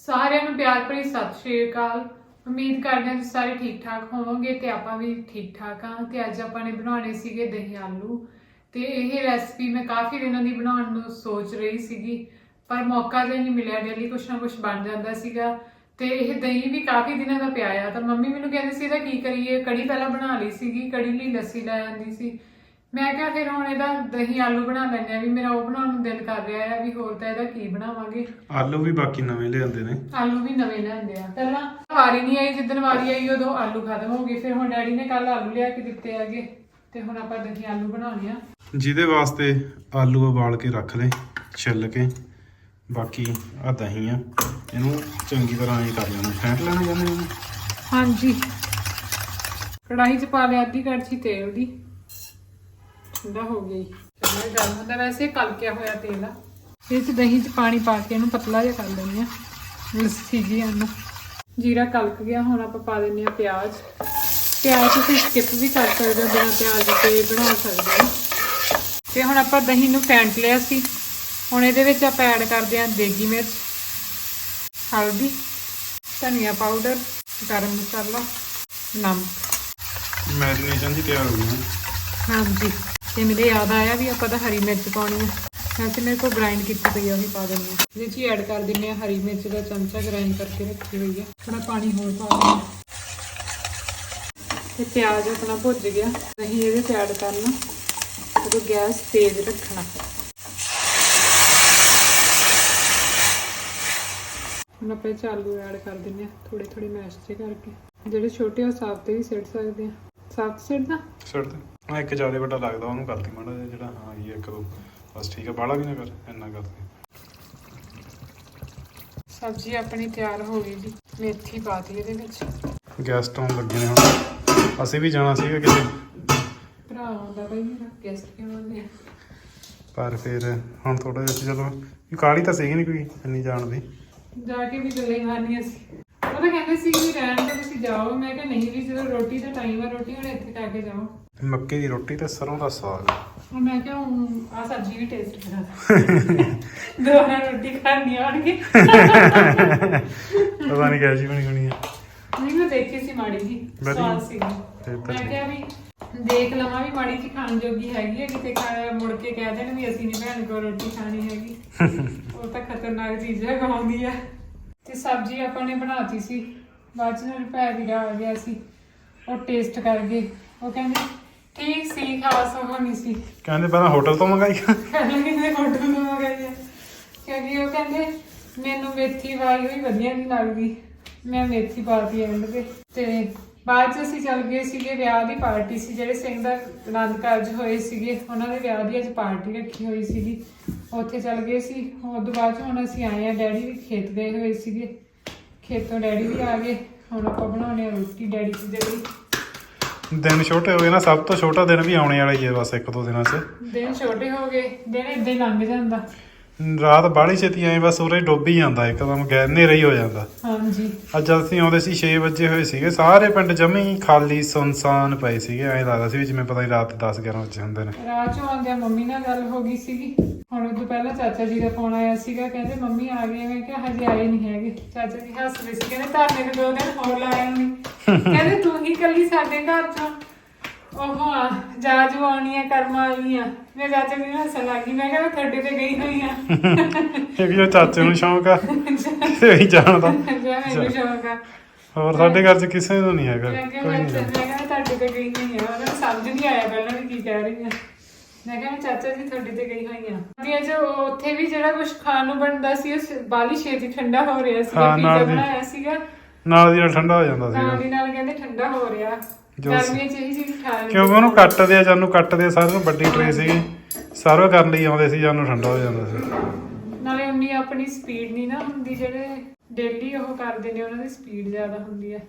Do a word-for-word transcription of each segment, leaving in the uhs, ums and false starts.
ਸਾਰਿਆਂ ਨੂੰ ਪਿਆਰ ਭਰੀ ਸਤਿ ਸ਼੍ਰੀ ਅਕਾਲ। ਉਮੀਦ ਕਰਦੇ ਹਾਂ ਤੁਸੀਂ ਸਾਰੇ ਠੀਕ ਠਾਕ ਹੋਵੋਗੇ ਤੇ ਆਪਾਂ ਵੀ ਠੀਕ ਠਾਕ ਹਾਂ। ਤੇ ਅੱਜ ਆਪਾਂ ਨੇ ਬਣਾਉਣੇ ਸੀਗੇ ਦਹੀਂ ਆਲੂ ਤੇ ਇਹ ਰੈਸਪੀ ਮੈਂ ਕਾਫੀ ਦਿਨਾਂ ਦੀ ਬਣਾਉਣ ਨੂੰ ਸੋਚ ਰਹੀ ਸੀਗੀ, ਪਰ ਮੌਕਾ ਜਿਹਾ ਨਹੀਂ ਮਿਲਿਆ। ਡੇਲੀ ਕੁਛ ਨਾ ਕੁਛ ਬਣ ਜਾਂਦਾ ਸੀਗਾ ਤੇ ਇਹ ਦਹੀਂ ਵੀ ਕਾਫੀ ਦਿਨਾਂ ਦਾ ਪਿਆ ਆ। ਤਾਂ ਮੰਮੀ ਮੈਨੂੰ ਕਹਿੰਦੇ ਸੀ ਇਹਦਾ ਕੀ ਕਰੀਏ, ਕੜੀ ਪਹਿਲਾਂ ਬਣਾ ਲਈ ਸੀਗੀ, ਕੜੀ ਲਈ ਲੱਸੀ ਲੈ ਆਂਦੀ ਸੀ। ਮੈਂ ਕਿਹਾ ਫਿਰ ਹੁਣ ਇਹਦਾ ਦਹੀਂ ਆਲੂ ਬਣਾ ਲੈਂਦੇ ਆ, ਵੀ ਮੇਰਾ ਉਹ ਬਣਾਉਣ ਨੂੰ ਦਿਲ ਕਰ ਰਿਹਾ ਹੈ ਵੀ ਹੋਰ ਤਾਂ ਇਹਦਾ ਕੀ ਬਣਾਵਾਂਗੇ। ਆਲੂ ਵੀ ਬਾਕੀ ਨਵੇਂ ਲਿਆਂਦੇ ਨੇ, ਆਲੂ ਵੀ ਨਵੇਂ ਲਿਆਂਦੇ ਆ। ਪਹਿਲਾਂ ਵਾਰੀ ਨਹੀਂ ਆਈ, ਜਿੱਦਣ ਵਾਰੀ ਆਈ ਉਦੋਂ ਆਲੂ ਖਤਮ ਹੋ ਗਏ। ਫਿਰ ਹੁਣ ਡੈਡੀ ਨੇ ਕੱਲ ਆਲੂ ਲਿਆ ਕੇ ਦਿੱਤੇ ਹੈਗੇ ਤੇ ਹੁਣ ਆਪਾਂ ਦਹੀਂ ਆਲੂ ਬਣਾਉਣੇ ਆ। ਜਿਹਦੇ ਵਾਸਤੇ ਆਲੂ ਉਬਾਲ ਕੇ ਰੱਖ ਲੈ ਛਿੱਲ ਕੇ। ਬਾਕੀ ਆ ਦਹੀਂ ਆ, ਇਹਨੂੰ ਚੰਗੀ ਤਰ੍ਹਾਂ ਇਹ ਕਰ ਲੈਣਾ, ਫੈਂਟ ਲੈਣਾ ਜਾਂਦੇ ਇਹਨੂੰ। ਹਾਂਜੀ, ਕੜਾਹੀ 'ਚ ਪਾ ਲਿਆ ਅੱਧੀ ਕੜਛੀ ਤੇਲ ਦੀ, ਠੰਡਾ ਹੋ ਗਈ। ਚਲੋ ਗਰਮ ਹੁੰਦਾ, ਵੈਸੇ ਕਲਕਿਆ ਹੋਇਆ ਤੇਲ ਆ। ਇਹ 'ਚ ਦਹੀਂ 'ਚ ਪਾਣੀ ਪਾ ਕੇ ਇਹਨੂੰ ਪਤਲਾ ਜਿਹਾ ਕਰ ਲੈਂਦੇ ਆ, ਲੱਸੀ ਜੀ ਆਨੂੰ। ਜੀਰਾ ਕਲਕ ਗਿਆ, ਹੁਣ ਆਪਾਂ ਪਾ ਦਿੰਦੇ ਆ ਪਿਆਜ਼। ਪਿਆਜ਼ ਤੁਸੀਂ ਸਕਿਪ ਵੀ ਕਰ ਸਕਦੇ ਹੋ, ਬਿਨਾਂ ਪਿਆਜ਼ ਤੇ ਬਣਾ ਸਕਦੇ ਹੋ। ਤੇ ਹੁਣ ਆਪਾਂ ਦਹੀਂ ਨੂੰ ਫੈਂਟ ਲਿਆ ਸੀ। ਹੁਣ ਇਹਦੇ ਵਿੱਚ ਆਪਾਂ ਐਡ ਕਰਦੇ ਹਾਂ ਦੇਗੀ ਮਿਰਚ, ਹਲਦੀ, ਧਨੀਆ ਪਾਊਡਰ, ਗਰਮ ਮਸਾਲਾ, ਨਮਕ। ਮੈਰੀਨੇਸ਼ਨ ਦੀ ਤਿਆਰ ਹੋ ਗਈ। ਹਾਂਜੀ, ਤੇ ਮੇਰੇ ਯਾਦ ਆਇਆ ਵੀ ਆਪਾਂ ਤਾਂ ਹਰੀ ਮਿਰਚ ਪਾਉਣੀ ਹੈ। ਵੈਸੇ ਮੇਰੇ ਕੋਲ ਗ੍ਰਾਈਂਡ ਕੀਤੀ ਪਈ ਆ, ਉਹੀ ਪਾ ਦਿੰਦੇ ਹਾਂ। ਇਹਦੇ 'ਚ ਹੀ ਐਡ ਕਰ ਦਿੰਦੇ ਹਾਂ ਹਰੀ ਮਿਰਚ ਦਾ ਚਮਚਾ ਗ੍ਰਾਈਂਡ ਕਰਕੇ ਰੱਖੀ ਹੋਈ ਹੈ। ਥੋੜਾ ਪਾਣੀ ਹੋਰ ਪਾ ਦਿੰਦੇ ਹਾਂ ਤੇ ਪਿਆਜ਼ ਆਪਣਾ ਭੁੱਜ ਗਿਆ। ਦਹੀਂ ਇਹਦੇ 'ਚ ਐਡ ਕਰਨਾ ਤੇ ਗੈਸ ਤੇਜ਼ ਰੱਖਣਾ। ਹੁਣ ਆਪਾਂ ਇਹ 'ਚ ਆਲੂ ਐਡ ਕਰ ਦਿੰਦੇ ਹਾਂ, ਥੋੜੇ ਥੋੜੇ ਮੈਸ਼ ਜੇ ਕਰਕੇ। ਜਿਹੜੇ ਛੋਟੇ ਉਹ ਸਾਫ਼ ਤੇ ਵੀ ਸਿੱਟ ਸਕਦੇ ਆ। ਸਾਫ਼ ਸਿੱਟਦਾ ਸਿੱਟ ਦੇ। ਹਾਂ, ਇੱਕ ਜ਼ਿਆਦਾ ਵੱਡਾ ਲੱਗਦਾ ਉਹਨੂੰ ਕਰਦੀ ਮਾੜਾ ਜਿਹਾ, ਜਿਹੜਾ ਹਾਂ ਇਹ ਇੱਕ ਦੋ ਬਸ ਠੀਕ ਆ, ਬਾਹਲਾ ਵੀ ਨਾ ਕਰ, ਇੰਨਾ ਕਰਦੇ। ਸਬਜ਼ੀ ਆਪਣੀ ਤਿਆਰ ਹੋ ਗਈ ਜੀ। ਮੇਥੀ ਪਾਤੀ ਇਹਦੇ ਵਿੱਚ। ਗੈਸਟ ਆਉਣ ਲੱਗੇ ਨੇ ਹੁਣ, ਅਸੀਂ ਵੀ ਜਾਣਾ ਸੀਗਾ ਕਿਤੇ। ਭਰਾ ਆਉਂਦਾ ਬਈ ਮੇਰਾ, ਗੈਸਟ ਕਿਉਂ ਆਉਂਦੇ ਆ। ਪਰ ਫਿਰ ਹੁਣ ਥੋੜਾ ਜਿਹਾ ਚਲੋ ਕਾਹਲੀ ਤਾਂ ਸੀਗੀ ਨਹੀਂ ਕੋਈ ਇੰਨੀ ਜਾਣ ਦੀ। ਜਾ ਕੇ ਵੀ ਗੱਲਾਂ ਹੀ ਮਾਰਨੀਆਂ ਸੀ। ਉਹ ਤਾਂ ਕਹਿੰਦੇ ਸੀ ਵੀ ਰਹਿਣ ਤੋਂ ਤੁਸੀਂ ਜਾਓ। ਮੈਂ ਕਿਹਾ ਨਹੀਂ ਵੀ, ਜਦੋਂ ਰੋਟੀ ਦਾ ਟਾਈਮ ਆ, ਰੋਟੀ ਹੁਣ ਇੱਥੇ ਖਾ ਕੇ ਜਾਓ। ਮੱਕੀ ਦੀ ਰੋਟੀ ਤੇ ਸਰੋਂ ਦਾ ਸਾਗ। ਮੈਂ ਕਿਹਾ ਆ ਸਬਜ਼ੀ ਵੀ ਟੇਸਟ ਕਰਾ ਦੁਬਾਰਾ ਰੋਟੀ ਖਾਣੀ ਆਣਗੇ। ਪਤਾ ਨਹੀਂ ਕਿਹੋ ਜਿਹੀ ਬਣੀ ਹੋਣੀ ਆ। ਨਹੀਂ, ਮੈਂ ਦੇਖੀ ਸੀ ਮਾੜੀ ਜੀ, ਸਵਾਦ ਸੀ। ਮੈਂ ਕਿਹਾ ਵੀ ਦੇਖ ਲਵਾਂ ਵੀ ਮਾੜੀ ਜੀ ਖਾਣ ਜੋਗੀ ਹੈਗੀ ਹੈ, ਕਿਤੇ ਖਾ ਮੁੜ ਕੇ ਕਹਿ ਦੇਣ ਵੀ ਅਸੀਂ ਨੀ ਭੈਣ ਕੋਲ ਰੋਟੀ ਖਾਣੀ ਹੈਗੀ। ਉਹ ਤਾਂ ਖਤਰਨਾਕ ਚੀਜ਼ਾਂ ਖਾਉਂਦੀ ਆ। ਤੇ ਸਬਜ਼ੀ ਆਪਾਂ ਨੇ ਬਣਾਤੀ ਸੀ। ਬਾਅਦ 'ਚ ਮੇਰੇ ਭੈ ਵੀਰਾ ਆ ਗਿਆ ਸੀ, ਉਹ ਟੇਸਟ ਕਰ ਗਏ। ਉਹ ਕਹਿੰਦੇ ਠੀਕ ਸੀ, ਖਾਸ ਉਹ ਨਹੀਂ ਸੀ। ਕਹਿੰਦੇ ਪਹਿਲਾਂ ਹੋਟਲ ਤੋਂ ਮੰਗਾਈ। ਕਹਿੰਦੇ ਕਿਸੇ ਹੋਟਲ ਤੋਂ ਮੰਗਾਈ ਆ, ਕਿਉਂਕਿ ਉਹ ਕਹਿੰਦੇ ਮੈਨੂੰ ਮੇਥੀ ਵਾਲੀ ਹੋਈ ਵਧੀਆ ਨਹੀਂ ਲੱਗਦੀ। ਮੈਂ ਮੇਥੀ ਪਾਤੀ ਐਂਡ ਤੇ। ਤੇ ਬਾਅਦ 'ਚ ਅਸੀਂ ਚੱਲ ਗਏ ਸੀਗੇ, ਵਿਆਹ ਦੀ ਪਾਰਟੀ ਸੀ। ਜਿਹੜੇ ਸਿੰਘ ਦਾ ਆਨੰਦ ਕਾਰਜ ਹੋਏ ਸੀਗੇ, ਉਹਨਾਂ ਦੇ ਵਿਆਹ ਦੀ ਅੱਜ ਪਾਰਟੀ ਰੱਖੀ ਹੋਈ ਸੀਗੀ, ਉੱਥੇ ਚੱਲ ਗਏ ਸੀ। ਉਹ ਤੋਂ ਬਾਅਦ 'ਚ ਹੁਣ ਅਸੀਂ ਆਏ ਆ, ਡੈਡੀ ਵੀ ਖੇਤ ਗਏ ਹੋਏ ਸੀਗੇ, ਖੇਤੋਂ ਡੈਡੀ ਵੀ ਆ ਗਏ। ਹੁਣ ਆਪਾਂ ਬਣਾਉਣੇ ਆ ਰੋਟੀ ਡੈਡੀ ਦੇ ਲਈ। ਦਿਨ ਛੋਟੇ ਹੋ ਗਏ ਨਾ, ਸਭ ਤੋਂ ਛੋਟਾ ਦਿਨ ਵੀ ਆਉਣੇ ਵਾਲਾ ਹੀ ਹੈ ਬਸ ਇੱਕ ਦੋ ਦਿਨਾਂ 'ਚ। ਦਿਨ ਛੋਟੇ ਹੋ ਗਏ, ਦਿਨ ਏਦਾਂ ਹੀ ਲੰਘ ਜਾਂਦਾ। ਰਾਤ ਬਾਹਲੀ ਛੇਤੀ ਆਏ, ਬਸ ਉਰੇ ਡੁੱਬ ਹੀ ਜਾਂਦਾ ਇੱਕਦਮ, ਗੈਰ ਹਨੇਰਾ ਹੀ ਹੋ ਜਾਂਦਾ। ਹਾਂਜੀ, ਅੱਜ ਅਸੀਂ ਆਉਂਦੇ ਸੀ ਛੇ ਵਜੇ ਹੋਏ ਸੀਗੇ, ਸਾਰੇ ਪਿੰਡ ਜਮੇ ਹੀ ਖਾਲੀ ਸੁਨਸਾਨ ਪਏ ਸੀਗੇ। ਐਂ ਲੱਗਦਾ ਸੀ ਵੀ ਜਿਵੇਂ ਪਤਾ ਨਹੀਂ ਰਾਤ ਦਸ ਗਿਆਰਾਂ ਵਜੇ ਹੁੰਦੇ ਨੇ। ਰਾਤ 'ਚੋਂ ਆਉਂਦਿਆਂ ਮੰਮੀ ਨਾਲ ਗੱਲ ਹੋ ਗਈ ਸੀਗੀ। ਹੁਣ ਉਦੋਂ ਪਹਿਲਾਂ ਚਾਚਾ ਜੀ ਦਾ ਫੋਨ ਆਇਆ ਸੀਗਾ, ਕਹਿੰਦੇ ਮੰਮੀ ਆ ਗਏ। ਮੈਂ ਕਿਹਾ ਹਜੇ ਆਏ ਨਹੀਂ ਹੈਗੇ। ਚਾਚਾ ਜੀ ਹੱਸ ਰਹੇ ਸੀ, ਕਹਿੰਦੇ ਧਰਨੇ ਨੂੰ ਦੋ ਦਿਨ ਹੋਰ ਲਾਇਆ ਨਹੀਂ। ਕਹਿੰਦੇ ਤੂੰ ਹੀ ਇਕੱਲੀ ਸਾਡੇ ਘਰ 'ਚੋਂ ਉਹ ਆ ਜਾ ਜੂ ਆਉਣੀ ਆ, ਕਰਮ ਵਾਲੀ ਆ। ਮੈਂ ਚਾਚਾ ਜੀ ਨੂੰ ਹੱਸਣ ਲੱਗ ਗਈ। ਮੈਂ ਕਿਹਾ ਮੈਂ ਤੁਹਾਡੇ ਤੇ ਗਈ ਹੋਈ ਆ। ਇੱਕ ਜੋ ਚਾਚੇ ਨੂੰ ਸ਼ੌਂਕ ਆ ਤੇ ਹੀ ਜਾਣਦਾ, ਮੈਨੂੰ ਸ਼ੌਂਕ ਆ। ਹੋਰ ਸਾਡੇ ਘਰ 'ਚ ਕਿਸੇ ਨੂੰ ਨਹੀਂ ਹੈਗਾ। ਮੈਂ ਕਿਹਾ ਮੈਂ ਤੁਹਾਡੇ ਤੇ ਗਈ ਹੋਈ ਆ। ਉਹਨਾਂ ਨੂੰ ਸਮਝ ਨਹੀਂ ਆਇਆ ਪਹਿਲਾਂ ਵੀ ਕੀ ਕਹਿ ਰਹੀ ਆ। ਮੈਂ ਕਿਹਾ ਚਾਚਾ ਜੀ ਤੁਹਾਡੇ ਤੇ ਗਈ ਹੋਈ ਆ। ਤੇ ਜੋ ਉੱਥੇ ਵੀ ਜਿਹੜਾ ਕੁਝ ਖਾਣ ਨੂੰ ਬਣਦਾ ਸੀ, ਉਹ ਬਾਲੀ ਛੇਤੀ ਠੰਡਾ ਹੋ ਰਿਹਾ ਸੀਗਾ। ਪੀਜ਼ਾ ਬਣਾਇਆ ਸੀਗਾ, ਨਾਲ ਦੀ ਨਾਲ ਠੰਡਾ ਹੋ ਜਾਂਦਾ ਨਾਲ ਦੀ ਨਾਲ ਕਹਿੰਦੇ ਠੰਡਾ ਹੋ ਰਿਹਾ। ਗਰਮੀਆਂ 'ਚ ਇਹੀ ਚੀਜ਼ ਖਾ ਲੈਂਦੇ ਕਿਉਂਕਿ ਉਹਨੂੰ ਕੱਟਦੇ ਆ, ਜਾਨੂੰ ਕੱਟਦੇ ਆ, ਸਾਰਿਆਂ ਨੂੰ ਵੱਡੀ ਟਰੇ ਸੀਗੀ, ਸਰਵ ਕਰਨ ਲਈ ਆਉਂਦੇ ਸੀ, ਜਾਨੂੰ ਠੰਡਾ ਹੋ ਜਾਂਦਾ ਸੀ। ਨਾਲੇ ਉਨੀ ਆਪਣੀ ਸਪੀਡ ਨਹੀਂ ਨਾ ਹੁੰਦੀ, ਜਿਹੜੇ ਡੇਲੀ ਉਹ ਕਰਦੇ ਨੇ ਉਹਨਾਂ ਦੀ ਸਪੀਡ ਜ਼ਿਆਦਾ ਹੁੰਦੀ ਹੈ।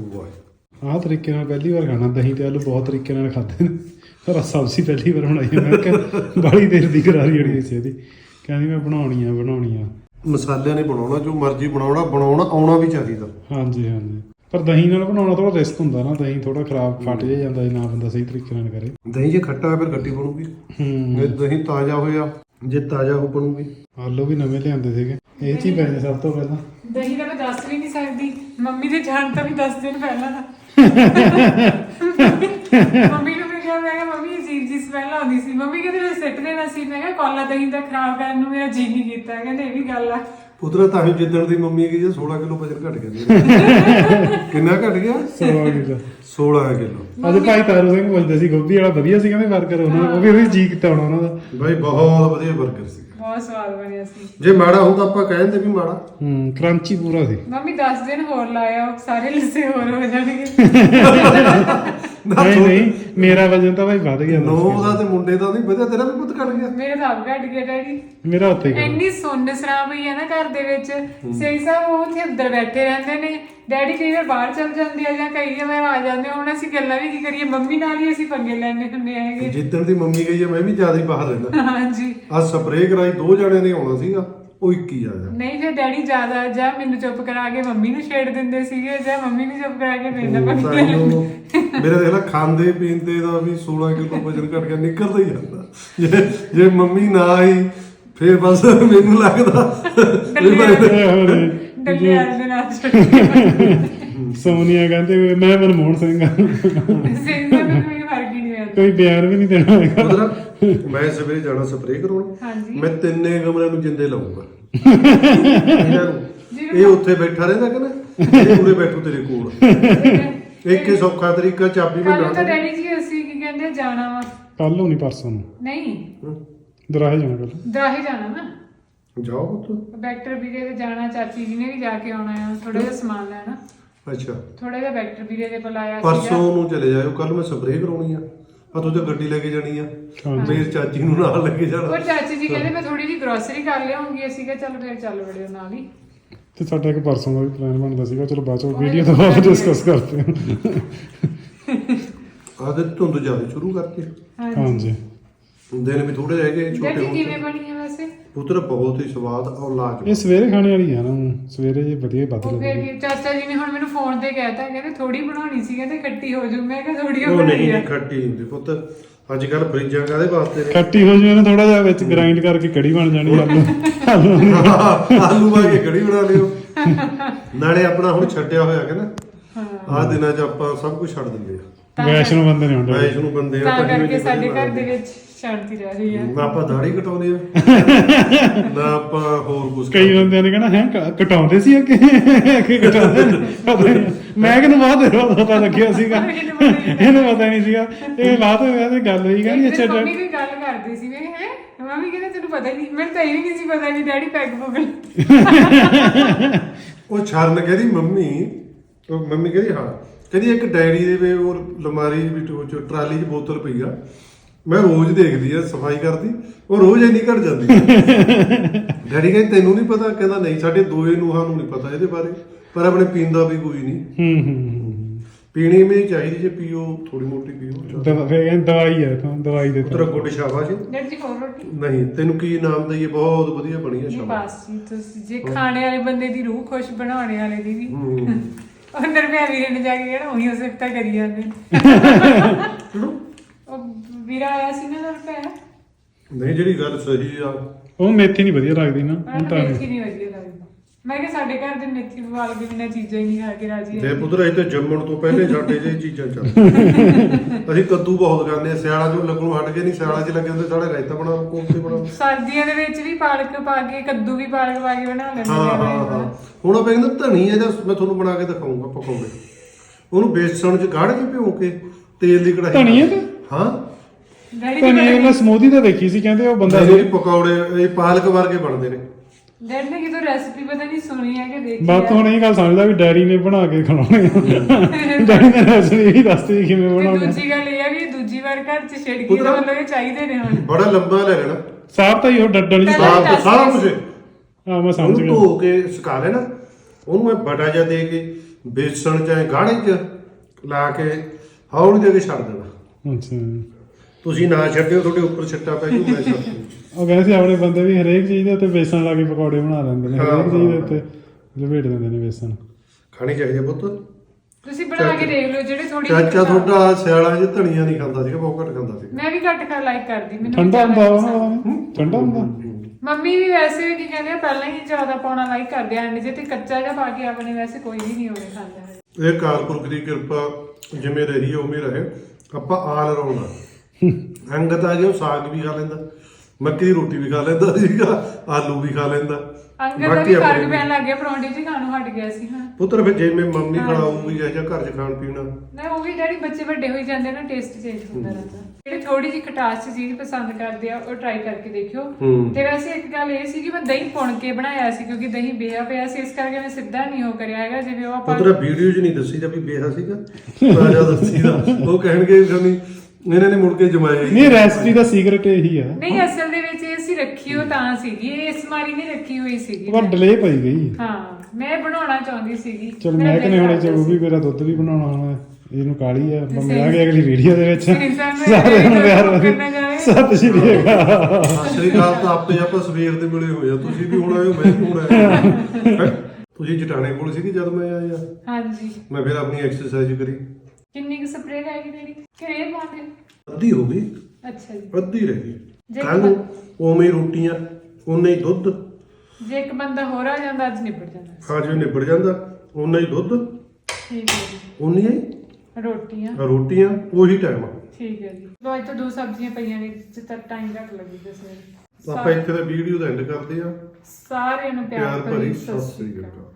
ਆਹ ਤਰੀਕੇ ਨਾਲ ਪਹਿਲੀ ਵਾਰ ਖਾਣਾ ਦਹੀਂ ਤੇ ਆਲੂ, ਬਹੁਤ ਤਰੀਕੇ ਨਾਲ ਖਾਦੇ ਨੇ, ਪਰ ਸਬਜ਼ੀ ਪਹਿਲੀ ਵਾਰ ਬਣਾਈ। ਮੈਂ ਕਿਹਾ ਬਾਹਲੀ ਦੇਰ ਦੀ ਕਰਾਰੀ ਜਿਹੜੀ ਸੀ ਇਹਦੀ, ਕਹਿੰਦੀ ਮੈਂ ਬਣਾਉਣੀ ਆ ਬਣਾਉਣੀ ਆ। ਮਸਾਲਿਆਂ ਨੇ ਬਣਾਉਣਾ, ਜੋ ਮਰਜ਼ੀ ਬਣਾਉਣਾ, ਬਣਾਉਣਾ ਆਉਣਾ ਵੀ ਚਾਹੀਦਾ। ਹਾਂਜੀ ਹਾਂਜੀ, ਪਰ ਦਹੀਂ ਨਾਲ ਬਣਾਉਣਾ ਥੋੜਾ ਰਿਸਕ ਹੁੰਦਾ ਨਾ, ਦਹੀਂ ਥੋੜਾ ਖਰਾਬ ਫਟ ਜੇ ਜਾਂਦਾ ਜੇ ਨਾ ਬੰਦਾ ਸਹੀ ਤਰੀਕੇ ਨਾਲ ਕਰੇ। ਦਹੀਂ ਜੇ ਖੱਟਾ ਹੈ ਫਿਰ ਖੱਟੀ ਬਣੂਗੀ। ਜੇ ਦਹੀਂ ਤਾਜ਼ਾ ਹੋਇਆ, ਜੇ ਤਾਜ਼ਾ ਹੋ ਬਣੂਗੀ। ਆਲੂ ਵੀ ਨਵੇਂ ਲਿਆਂਦੇ ਸੀਗੇ, ਇਹ 'ਚ ਹੀ ਪੈਣੇ ਸਭ ਤੋਂ ਪਹਿਲਾਂ। ਦਹੀਂ ਦਾ ਮੈਂ ਦੱਸ ਵੀ ਨਹੀਂ ਸਕਦੀ ਮੰਮੀ ਦੇ ਜਾਣ ਤੋਂ ਵੀ ਦਸ ਦਿਨ ਪਹਿਲਾਂ ਦਾ ਮੰਮੀ ਨੂੰ ਵੀ ਕਿਹਾ ਮੈਂ ਕਿਹਾ ਮੰਮੀ ਅਜੀਬ ਜੀ ਸਮੈਲ ਆਉਂਦੀ ਸੀ ਮੰਮੀ ਕਹਿੰਦੇ ਮੈਂ ਸਿੱਟ ਦੇਣਾ ਸੀ ਮੈਂ ਕਿਹਾ ਕੋਲਾ ਦਹੀਂ ਦਾ ਖਰਾਬ ਕਰਨ ਨੂੰ ਮੇਰਾ ਜੀ ਨਹੀਂ ਕੀਤਾ ਕਹਿੰਦੇ ਇਹ ਵੀ ਗੱਲ ਆ ਪੁੱਤਰਾ ਤਾਂ ਹੀ ਜਿੱਦਣ ਦੀ ਮੰਮੀ ਗਈ ਸੋਲਾਂ ਕਿਲੋ ਵਜਨ ਘਟ ਗਿਆ ਕਿੰਨਾ ਘਟ ਗਿਆ ਸੋਲਾਂ ਕਿਲੋ ਸੋਲਾਂ ਕਿਲੋ ਅੱਜ ਭਾਈ ਤਾਰੂ ਸਿੰਘ ਪੁੱਛਦੇ ਸੀ ਗੋਭੀ ਵਾਲਾ ਵਧੀਆ ਸੀ ਕਹਿੰਦੇ 버ਗਰ ਉਹਨਾਂ ਉਹ ਵੀ ਉਹੀ ਜੀ ਕੀਤਾ ਹੋਣਾ ਉਹਨਾਂ ਦਾ ਬਾਈ ਬਹੁਤ ਵਧੀਆ 버ਗਰ ਸੀ ਬਹੁਤ ਸਵਾਦ ਬਣਿਆ ਸੀ ਜੇ ਮਾੜਾ ਹੁੰਦਾ ਆਪਾਂ ਕਹਿੰਦੇ ਵੀ ਮਾੜਾ ਹੂੰ ਕ੍ਰੰਚੀ ਪੂਰਾ ਸੀ ਮੰਮੀ ਦਸ ਦਿਨ ਹੋਰ ਲਾਇਆ ਉਹ ਸਾਰੇ ਲਿੱਸੇ ਹੋਰ ਹੋ ਜਾਣਗੇ ਨਹੀਂ ਨਹੀਂ ਮੇਰਾ ਵਜਨ ਤਾਂ ਭਾਈ ਵੱਧ ਗਿਆ ਦਸ ਨੌ ਕਿਲੋ। ਦਾ ਤੇ ਮੁੰਡੇ ਦਾ ਨਹੀਂ ਵਧਿਆ ਤੇਰਾ ਵੀ ਪੁੱਤ ਘਟ ਗਿਆ ਮੇਰੇ ਤਾਂ ਆਪ ਘਟ ਗਿਆ ਡੈਡੀ ਮੇਰਾ ਉੱਤੇ ਗਿਆ ਇੰਨੀ ਸੁੰਨ ਸਰਾਂ ਪਈ ਹੈ ਨਾ ਘਰ ਦੇ ਵਿੱਚ ਸਹੀ ਸਾਹਿਬ ਉਹ ਉੱਥੇ ਅੰਦਰ ਬੈਠੇ ਰਹਿੰਦੇ ਨੇ ਡੈਡੀ ਕਈ ਵਾਰ ਬਾਹਰ ਚਲ ਜਾਂਦੇ ਆ ਜਾਂ ਕਈ ਵਾਰ ਆ ਜਾਂਦੇ ਆ ਹੁਣ ਅਸੀਂ ਗੱਲਾਂ ਵੀ ਕੀ ਕਰੀਏ ਮੰਮੀ ਨਾਲ ਹੀ ਅਸੀਂ ਪੰਗੇ ਲੈਣੇ ਹੁੰਦੇ ਹੈਗੇ ਜਿੱਦਣ ਦੀ ਮੰਮੀ ਗਈ ਆ ਮੈਂ ਵੀ ਜ਼ਿਆਦਾ ਹੀ ਬਾਹਰ ਰਹਿੰਦਾ ਹਾਂਜੀ ਆ ਸਪਰੇਅ ਕਰਾਈ ਦੋ ਜਣਿਆਂ ਨੇ ਆਉਣਾ ਸੀਗਾ ਉਹ ਇੱਕ ਹੀ ਆ ਜਾ ਨਹੀਂ ਫਿਰ ਡੈਡੀ ਜ਼ਿਆਦਾ ਜਾਂ ਮੈਨੂੰ ਚੁੱਪ ਕਰਾ ਕੇ ਮੰਮੀ ਨੂੰ ਛੇੜ ਦਿੰਦੇ ਸੀਗੇ ਜਾਂ ਮੰਮੀ ਨੂੰ ਚੁੱਪ ਕਰਾ ਕੇ ਮੇਰੇ ਨਾਲ ਪੰਗੇ ਲੈ ਲੈਂਦੇ ਮੇਰਾ ਦੇਖ ਲੈ ਖਾਂਦੇ ਪੀਂਦੇ ਦਾ ਵੀ ਸੋਲਾਂ ਕਿਲੋ ਵਜਨ ਘਟ ਗਿਆ ਨਿਕਲਦਾ ਹੀ ਜਾਂਦਾ ਜੇ ਜੇ ਮੰਮੀ ਨਾ ਆਈ ਫੇਰ ਬਸ ਮੈਨੂੰ ਲੱਗਦਾ ਵੀ ਮੈਂ- ਡੱਲੇ ਆ ਦੇ ਨਾਲ ਛੱਡ ਸੋਨੀਆ ਕਹਿੰਦੇ ਵੀ ਮੈਂ ਮਨਮੋਹਨ ਸਿੰਘ ਆ ਸਹੀ ਸਾਹਿਬ ਮੈਨੂੰ ਕੋਈ ਫਰਕ ਹੀ ਨਹੀਂ ਪੈਂਦਾ ਕੋਈ ਬਿਆਨ ਵੀ ਨਹੀਂ ਦੇਣਾ ਹੈਗਾ ਮਤਲਬ ਮੈਂ ਸਵੇਰੇ ਜਾਣਾ ਸਪਰੇਅ ਕਰਾਉਣ ਹਾਂਜੀ ਮੈਂ ਤਿੰਨੇ ਕਮਰਿਆਂ ਨੂੰ ਜਿੰਦੇ ਲਾਉਂਗਾ ਇਹਨਾਂ ਨੂੰ ਇਹ ਉੱਥੇ ਬੈਠਾ ਰਹਿੰਦਾ ਕਿ ਨਾ ਇਹ ਉਰੇ ਬੈਠੂ ਤੇਰੇ ਕੋਲ ਇੱਕ ਹੀ ਸੌਖਾ ਤਰੀਕਾ ਚਾਬੀ ਮੈਂ ਕੱਲ ਤਾਂ ਨਾਲ ਡੈਡੀ ਜੀ ਅਸੀਂ ਕੀ ਕਹਿੰਦੇ ਜਾਣਾ ਵਾ ਕੱਲ ਨੂੰ ਨਹੀਂ ਪਰਸੋਂ ਨੂੰ ਨਹੀਂ ਦਰਾਹੇ ਜਾਣਾ ਕੱਲ ਦਰਾਹੇ ਜਾਣਾ ਨਾ ਜਾਓ ਪੁੱਤ ਵੈਕਟਰ ਵੀਰੇ ਦੇ ਜਾਣਾ ਚਾਚੀ ਜੀ ਨੇ ਵੀ ਜਾ ਕੇ ਆਉਣਾ ਆ ਥੋੜਾ ਜਿਹਾ ਸਮਾਨ ਲੈਣਾ ਅੱਛਾ ਥੋੜਾ ਜਿਹਾ ਵੈਕਟਰ ਵੀਰੇ ਦੇ ਕੋਲ ਆਇਆ ਪਰਸੋਂ ਨੂੰ ਚਲੇ ਜਾਇਓ ਕੱਲ ਮੈਂ ਸਪਰੇਅ ਕਰਾਉਣੀ ਆ ਆ ਤੂੰ ਤੇ ਗੱਡੀ ਲੈ ਕੇ ਜਾਣੀ ਆ ਹਾਂਜੀ। ਮੇਰੀ ਚਾਚੀ ਨੂੰ ਨਾਲ ਲੈ ਕੇ ਉਹ ਜਾਣਾ ਚਾਚੀ ਜੀ ਕਹਿੰਦੇ ਮੈਂ ਥੋੜੀ ਜਿਹੀ ਗਰੋਸਰੀ ਕਰ ਲਿਆਉਂਗੀ ਅਸੀਂ ਕਿਹਾ ਚੱਲ ਫਿਰ ਚੱਲ ਵੜਿਓ ਨਾਲ ਹੀ ਤੇ ਸਾਡਾ ਇੱਕ ਪਰਸੋਂ ਦਾ ਵੀ ਪਲਾਨ ਬਣਦਾ ਸੀਗਾ ਚਲੋ ਬਾਅਦ ਚੋਂ ਵੀਡੀਓ ਤੋਂ ਬਾਅਦ ਡਿਸਕਸ ਕਰਦੇ ਹਾਂ ਆ ਤੇ ਧੁੰਦ ਜ਼ਿਆਦਾ ਸ਼ੁਰੂ ਕਰਤੀ ਹਾਂਜੀ ਦਿਨ ਵੀ ਥੋੜੇ ਰਹਿ ਗਏ ਛੋਟੇ ਡੈਡੀ ਹੁਣ ਕਿਵੇਂ ਬਣੀ ਹੈ ਵੈਸੇ ਪੁੱਤਰ ਬਹੁਤ ਹੀ ਸਵਾਦ ਔਰ ਲਾਜਵਾਬ ਇਹ ਸਵੇਰੇ ਖਾਣੇ ਵਾਲੀ ਆ ਨਾ ਊਂ ਸਵੇਰੇ ਜੇ ਵਧੀਆ ਵੱਧ ਉਹ ਫਿਰ ਲੱਗਦੀ ਕੀ- ਚਾਚਾ ਜੀ ਨੇ ਹੁਣ ਮੈਨੂੰ ਫੋਨ ਤੇ ਕਹਿਤਾ ਕਹਿੰਦੇ ਥੋੜੀ ਬਣਾਉਣੀ ਸੀ ਕਹਿੰਦੇ ਖੱਟੀ ਹੋ ਜੂ ਮੈਂ ਕਿਹਾ ਥੋੜੀ ਉਹ ਬਣਾਈ ਨਹੀਂ ਆ ਨਹੀਂ ਖੱਟੀ ਹੁੰਦੀ ਪੁੱਤ ਅੱਜ ਕੱਲ ਫਰਿੱਜਾਂ ਕਾਦੇ ਵਾਸਤੇ ਨੇ ਖੱਟੀ ਹੋ ਜਾਵੇ ਨਾ ਥੋੜਾ ਜਿਹਾ ਵਿੱਚ ਗ੍ਰਾਈਂਡ ਕਰਕੇ ਕੜੀ ਬਣ ਜਾਣੀ ਆਲੂ ਆਲੂ ਆਲੂ ਪਾ ਕੇ ਕੜੀ ਬਣਾ ਲਿਓ ਨਾਲੇ ਆਪਣਾ ਹੁਣ ਛੱਡਿਆ ਹੋਇਆ ਕਿ ਨਾ ਆਹ ਦਿਨਾਂ 'ਚ ਆਪਾਂ ਸਭ ਕੁਝ ਛੱਡ ਦਿੰਦੇ ਆ ਵੈਸ਼ਨੋ ਬੰਦੇ ਨੇ ਹੁੰਦਾ ਵੈਸ਼ ਨੂੰ ਬੰਦੇ ਆ ਤਾਂ ਤਾਂ ਕਰਕੇ ਸਾਡੇ ਘਰ ਦੇ ਵਿੱਚ ਸ਼ਾਂਤੀ ਰਹਿ ਰਹੀ ਹੈ ਨਾ ਆਪਾਂ ਦਾੜੀ ਕਟਾਉਂਦੇ ਆ ਨਾ ਆਪਾਂ ਹੋਰ ਕੁਝ ਕਈ ਬੰਦਿਆਂ ਨੇ ਕਹਿਣਾ ਹੈ ਕਟਾਉਂਦੇ ਸੀ ਅੱਗੇ ਕਿ ਕਟਾਉਂਦੇ ਨੇ ਪਤਾ ਨਹੀਂ ਮੈਂ ਕਿਹਨੂੰ ਬਾਅਦ ਦੇ ਪਤਾ ਲੱਗਿਆ ਸੀਗਾ ਇਹਨੂੰ ਪਤਾ ਨਹੀਂ ਸੀਗਾ ਇਹ ਬਾਅਦ ਹੋਇਆ ਤੇ ਗੱਲ ਹੋਈ ਕਹਿੰਦੀ ਇੱਕ ਦਿਨ ਅੱਛਾ ਮੰਮੀ ਕੋਈ ਗੱਲ ਕਰਦੀ ਸੀ ਮੈਂ ਹੈ ਮੰਮੀ ਕਹਿੰਦੇ ਤੈਨੂੰ ਪਤਾ ਹੀ ਨਹੀਂ ਮੈਨੂੰ ਤਾਂ ਇਹ ਵੀ ਨਹੀਂ ਸੀ ਪਤਾ ਵੀ ਡੈਡੀ ਪੈਗ ਪੁਗਲ ਉਹ ਛਰਨ ਕਹਿੰਦੀ ਮੰਮੀ ਉਹ ਮੰਮੀ ਕਹਿੰਦੀ ਹਾਂ ਕਹਿੰਦੀ ਇੱਕ ਡਾਇਰੀ ਦੇ ਵੇ ਉਹ ਲਮਾਰੀ ਵਿੱਚ ਉਹ ਟਰਾਲੀ 'ਚ ਬੋਤਲ ਪਈ ਆ ਮੈਂ ਰੋਜ਼ ਦੇਖਦੀ ਆ ਸਫਾਈ ਕਰਦੀ ਉਹ ਰੋਜ਼ ਇੰਨੀ ਘਟ ਜਾਂਦੀ ਡੈਡੀ ਕਹਿੰਦੇ ਤੈਨੂੰ ਨਹੀਂ ਪਤਾ ਕਹਿੰਦਾ ਨਹੀਂ ਸਾਡੇ ਦੋਏ ਨੂੰਹਾਂ ਨੂੰ ਨਹੀਂ ਪਤਾ ਇਹਦੇ ਬਾਰੇ ਪਰ ਆਪਣੇ ਪੀਂਦਾ ਵੀ ਕੋਈ ਨਹੀਂ ਹੂੰ ਹੂੰ ਪੀਣੀ ਵੀ ਚਾਹੀਦੀ ਜੇ ਪੀਓ ਥੋੜੀ ਮੋਟੀ ਪੀਓ ਦਵਾ ਫਿਰ ਇਹ ਦਵਾਈ ਹੈ ਤਾਂ ਦਵਾਈ ਦੇ ਤੇਰਾ ਗੁੱਡ ਸ਼ਾਬਾਸ਼ ਡੈਡੀ ਜੀ ਹੋਰ ਰੋਟੀ ਨਹੀਂ ਤੈਨੂੰ ਕੀ ਨਾਮ ਦਈਏ ਬਹੁਤ ਵਧੀਆ ਬਣੀ ਆ ਨਹੀਂ ਸ਼ਾਬਾਸ਼ ਬਸ ਜੀ ਤੁਸੀਂ ਜੇ ਖਾਣੇ ਵਾਲੇ ਬੰਦੇ ਦੀ ਰੂਹ ਖੁਸ਼ ਬਣਾਉਣੇ ਵਾਲੇ ਦੀ ਵੀ ਹੂੰ ਉਹ ਨਰਮਿਆ ਵੀਰੇ ਨੇ ਜਾ ਕੇ ਕਹਿਣਾ ਉਹੀ ਹੋ ਸਕਤਾ ਕਰੀ ਜਾਂਦੇ ਉਹ ਵੀਰਾ ਆਇਆ ਸੀ ਨਾ ਨਰਮਿਆ ਨਹੀਂ ਜਿਹੜੀ ਗੱਲ ਸਹੀ ਆ ਉਹ ਮੇਥੀ ਨਹੀਂ ਵਧੀਆ ਲੱਗਦੀ ਨਾ ਉਹਨਾਂ ਹੁਣ ਨੂੰ ਤਾਂ ਮੇਥੀ ਨਹੀਂ ਵਧੀਆ ਲੱਗਦੀ ਮੈਂ ਕਿਹਾ ਸਾਡੇ ਘਰ ਦੇ ਮੇਥੀ ਵਾਲ ਕੇ ਬਿਨਾਂ ਚੀਜ਼ਾਂ ਹੀ ਨਹੀਂ ਖਾ ਕੇ ਰਾਜੀ ਦੇ ਹੈ ਪੁੱਤਰ ਅਸੀਂ ਤੇ ਜੰਮਣ ਤੋਂ ਪਹਿਲੇ ਸਾਡੇ ਜੇ ਚੀਜ਼ਾਂ ਚੱਲ ਅਸੀਂ ਕੱਦੂ ਬਹੁਤ ਖਾਂਦੇ ਆ ਸਿਆਲਾਂ ਚੋਂ ਲੱਗਣੋਂ ਹਟ ਕੇ ਨਹੀਂ ਸਿਆਲਾਂ 'ਚ ਲੱਗੇ ਹੁੰਦੇ ਸਾਡੇ ਰਾਇਤਾ ਬਣਾਓ ਕੋਫਤੇ ਬਣਾਓ ਸਰਦੀਆਂ ਦੇ ਵਿੱਚ ਵੀ ਪਾਲਕ ਪਾ ਕੇ ਕੱਦੂ ਵੀ ਪਾਲਕ ਪਾ ਕੇ ਬਣਾ ਲੈਂਦੇ ਹਾਂ ਹਾਂ ਹਾਂ ਹੁਣ ਆਪਾਂ ਕਹਿੰਦੇ ਧਨੀ ਹੈ ਜਾਂ ਮੈਂ ਤੁਹਾਨੂੰ ਬਣਾ ਕੇ ਦਿਖਾਉਂਗਾ ਪਕੌੜੇ ਉਹਨੂੰ ਬੇਸਣ 'ਚ ਗਾੜ ਕੇ ਭਿਓ ਕੇ ਤੇਲ ਦੀ ਕੜਾਹੀ ਧਨੀ ਹੈ ਤੇ ਹਾਂ ਡੈਡੀ ਤਾਂ ਨਹੀਂ ਮੈਂ ਸਮੂਦੀ ਤਾਂ ਦੇਖੀ ਸੀ ਕਹਿੰਦੇ ਉਹ ਬੰਦਾ ਬੰਦਾ ਪਕੌੜੇ ਇਹ ਪਾਲਕ ਵਰਗੇ ਬਣਦੇ ਨੇ ਡੈਡੀ ਨੇ ਕਿਤੋਂ ਰੈਸਪੀ ਪਤਾ ਨਹੀਂ ਸੁਣੀ ਹੈ ਕਿ ਦੇਖੀ ਬਾਤ ਹੁਣ ਇਹ ਗੱਲ ਸਮਝਦਾ ਵੀ ਡੈਡੀ ਨੇ ਬਣਾ ਕੇ ਖਿਲਾਉਣੇ ਆ ਡੈਡੀ ਨੇ ਰੈਸਪੀ ਹੀ ਦੱਸਤੀ ਸੀ ਕਿਵੇਂ ਤੇ ਬਣਾਉਣੇ ਦੂਜੀ ਗੱਲ ਇਹ ਹੈ ਵੀ ਦੂਜੀ ਵਾਰ ਘਰ ਚ ਛਿੜਕੀ ਦਾ ਮਤਲਬ ਇਹ ਚਾਹੀਦੇ ਨੇ ਹੁਣ ਬੜਾ ਲੰਬਾ ਲੈ ਲੈਣਾ ਸਾਫ ਤਾਂ ਹੀ ਉਹ ਡੱਡਣ ਦੀ ਪਹਿਲਾਂ ਸਾਫ ਸਾਰਾ ਕੁਝ ਆ ਮੈਂ ਸਮਝ ਉਹਨੂੰ ਗਿਆ ਧੋ ਕੇ ਸੁਕਾ ਲੈਣਾ ਉਹਨੂੰ ਇਹ ਬੜਾ ਜਿਹਾ ਦੇ ਕੇ ਬੇਸਣ ਚਾਹੇ ਗਾੜੇ 'ਚ ਲਾ ਕੇ ਹੌਲੀ ਦੇ ਕੇ ਛੱਡ ਦੇਣਾ ਅੱਛਾ ਤੁਸੀਂ ਨਾ ਛੱਡਿਓ ਤੁਹਾਡੇ ਉੱਪਰ ਛੱਟਾ ਪੈ ਜੂ ਮੈਂ ਛੱਡ ਦੂੰ ਉਹ ਕਹਿੰਦੇ ਸੀ ਆਪਣੇ ਬੰਦੇ ਵੀ ਹਰੇਕ ਚੀਜ਼ ਦੇ ਉੱਤੇ ਬੇਸਣ ਲਾ ਕੇ ਪਕੌੜੇ ਬਣਾ ਲੈਂਦੇ ਨੇ ਹਰੇਕ ਚੀਜ਼ ਦੇ ਉੱਤੇ ਲਪੇਟ ਦਿੰਦੇ ਨੇ ਬੇਸਣ ਖਾਣੀ ਚਾਹੀਦੀ ਹੈ ਪੁੱਤ ਤੁਸੀਂ ਬਣਾ ਕੇ ਦੇਖ ਲਓ ਜਿਹੜੇ ਥੋੜੀ ਚਾਚਾ ਤੁਹਾਡਾ ਸਿਆਲਾਂ 'ਚ ਧਨੀਆ ਨਹੀਂ ਖਾਂਦਾ ਸੀਗਾ ਬਹੁਤ ਘੱਟ ਖਾਂਦਾ ਸੀ ਮੈਂ ਵੀ ਘੱਟ ਖਾ ਲਾਈਕ ਕਰਦੀ ਮੈਨੂੰ ਠੰਡਾ ਹੁੰਦਾ ਉਹ ਠੰਡਾ ਹੁੰਦਾ ਮੰਮੀ ਵੀ ਵੈਸੇ ਵੀ ਕੀ ਕਹਿੰਦੇ ਆ, ਪਹਿਲਾਂ ਹੀ ਜ਼ਿਆਦਾ ਪਾਉਣਾ ਲਾਈਕ ਕਰਦੇ ਆ, ਜੇ ਤੇ ਕੱਚਾ ਜਿਹਾ ਪਾ ਕੇ ਆਪਣੇ ਵੈਸੇ ਕੋਈ ਵੀ ਨਹੀਂ ਹੋਵੇ ਖਾਂਦਾ। ਇਹ ਕਾਲਪੁਰਖ ਦੀ ਕਿਰਪਾ ਜਿਵੇਂ ਰਹੀ ਉਵੇਂ ਰਹੇ। ਆਪਾਂ ਆਲ ਰਾਉਂਡ ਅੰਗਤ ਆ ਗਿਆ, ਉਹ ਸਾਗ ਵੀ ਖਾ ਲੈਂਦਾ, ਮੱਕੀ ਦੀ ਰੋਟੀ ਵੀ ਖਾ ਲੈਂਦਾ ਸੀਗਾ, ਆਲੂ ਵੀ ਖਾ ਲੈਂਦਾ। ਅੰਗਦ ਦਾ ਵੀ ਫਰਕ ਪੈਣ ਲੱਗ ਗਿਆ, ਪਰੌਂਠੇ ਜੀ ਖਾਣੋਂ ਹਟ ਗਿਆ ਸੀ ਹਾਂ। ਪੁੱਤਰ ਫਿਰ ਜਿਵੇਂ ਮੰਮੀ ਖੜਾਊਗੀ ਜਾਂ ਘਰ 'ਚ ਖਾਣ ਪੀਣਾ ਨਾ ਉਹ ਵੀ ਡੈਡੀ ਬੱਚੇ ਵੱਡੇ ਹੋਈ ਜਾਂਦੇ ਨਾ, ਟੇਸਟ ਚੇਂਜ ਹੁੰਦਾ ਰਹਿੰਦਾ। ਜਿਹੜੇ ਥੋੜੀ ਜਿਹੀ ਖਟਾਸ ਚ ਚੀਜ਼ ਪਸੰਦ ਕਰਦੇ ਆ ਉਹ ਟਰਾਈ ਕਰਕੇ ਦੇਖਿਓ। ਤੇ ਵੈਸੇ ਇੱਕ ਗੱਲ ਇਹ ਸੀ ਕਿ ਮੈਂ ਦਹੀਂ ਪੁਣ ਕੇ ਬਣਾਇਆ ਸੀ, ਕਿਉਂਕਿ ਦਹੀਂ ਬੇਹਾ ਪਿਆ ਸੀ, ਇਸ ਕਰਕੇ ਮੈਂ ਸਿੱਧਾ ਨਹੀਂ ਉਹ ਕਰਿਆ ਹੈਗਾ ਜਿਵੇਂ ਉਹ ਆਪਾਂ ਪੁੱਤਰ ਵੀਡੀਓ 'ਚ ਨਹੀਂ ਦੱਸੀ ਦਾ ਵੀ ਬੇਹਾ ਸੀਗਾ, ਤਾਜ਼ਾ ਦੱਸੀ ਦਾ। ਉਹ ਕਹਿਣਗੇ ਨਹੀਂ ਇਹਨਾਂ ਨੇ ਮੁੜ ਕੇ ਜਮਾਇਆ ਹੀ ਨਹੀਂ, ਰੈਸਪੀ ਦਾ ਸੀਕ੍ਰੇਟ ਇਹੀ ਆ। ਨਹੀਂ, ਅਸਲ ਦੇ ਵਿੱਚ ਇਹ ਅਸੀਂ ਰੱਖੀ ਉਹ ਤਾਂ ਸੀਗੀ, ਇਹ ਇਸ ਮਾਰੀ ਨਹੀਂ ਰੱਖੀ ਹੋਈ ਸੀਗੀ। ਪਰ ਡਿਲੇ ਪਈ ਗਈ। ਹਾਂ, ਮੈਂ ਬਣਾਉਣਾ ਚਾਹੁੰਦੀ ਸੀਗੀ। ਚਲ ਮੈਂ ਕਿਨੇ ਹੋਣੇ ਚ ਉਹ ਵੀ ਮੇਰਾ ਦੁੱਧ ਵੀ ਬਣਾਉਣਾ ਹੁਣ, ਇਹਨੂੰ ਕਾਲੀ ਆ। ਮਿਲਾਂਗੇ ਅਗਲੀ ਵੀਡੀਓ ਦੇ ਵਿੱਚ। ਸਾਰਿਆਂ ਨੂੰ ਪਿਆਰ ਭਰੀ ਸਤਿ ਸ਼੍ਰੀ ਅਕਾਲ। ਸਤਿ ਸ਼੍ਰੀ ਅਕਾਲ। ਤਾਂ ਆਪੇ ਆਪਾਂ ਸਵੇਰ ਦੇ ਮਿਲੇ ਹੋਏ ਆ, ਤੁਸੀਂ ਵੀ ਹੁਣ ਆਏ ਹੋ, ਮੈਂ ਵੀ ਹੁਣ ਆਇਆ। ਤੁਸੀਂ ਜਟਾਣੇ ਕੋਲ ਸੀਗੇ ਜਦ ਮੈਂ ਆਇਆ? ਹਾਂਜੀ। ਮੈਂ ਫਿਰ ਆਪਣੀ ਐਕਸਰਸਾਈਜ਼ ਕਰੀ। ਕਿੰਨੀ ਕੁ ਸਪਰੇਅ ਰਹਿ ਗਈ ਤੇਰੀ? ਕਿਹੜੇ ਪਾਉਂਦੇ? ਅੱਧੀ ਹੋ ਗਈ। ਅੱਛਾ ਜੀ। ਅੱਧੀ ਰਹਿ ਗਈ। ਜੇ ਕੱਲ ਨੂੰ ਉਵੇਂ ਹੀ ਰੋਟੀਆਂ, ਉਨੇ ਹੀ ਦੁੱਧ। ਜੇ ਇੱਕ ਬੰਦਾ ਹੋਰ ਆ ਜਾਂਦਾ ਅੱਜ ਨਿਬੜ ਜਾਂਦਾ। ਹਾਂ ਜੀ, ਨਿਬੜ ਜਾਂਦਾ। ਉਨਾ ਹੀ ਦੁੱਧ, ਠੀਕ ਹੈ ਜੀ। ਉਨੀਆਂ ਹੀ ਰੋਟੀਆਂ ਰੋਟੀਆਂ, ਉਹੀ ਟਾਈਮ ਆ। ਠੀਕ ਹੈ ਜੀ। ਲੋ ਅੱਜ ਤਾਂ ਦੋ ਸਬਜ਼ੀਆਂ ਪਈਆਂ ਨੇ, ਜਿੱਥੇ ਤੱਕ ਟਾਈਮ ਘੱਟ ਲੱਗੀ ਦੱਸਣੇ। ਆਪਾਂ ਇੱਥੇ ਦਾ ਵੀਡੀਓ ਦਾ ਐਂਡ ਕਰਦੇ ਆ। ਸਾਰਿਆਂ ਨੂੰ ਪਿਆਰ ਪਿਆਰ ਭਰੀ ਭਰੀ ਸਤਿ ਸਤਿ ਸ਼੍ਰੀ ਸ਼੍ਰੀ ਅਕਾਲ। ਅਕਾਲ।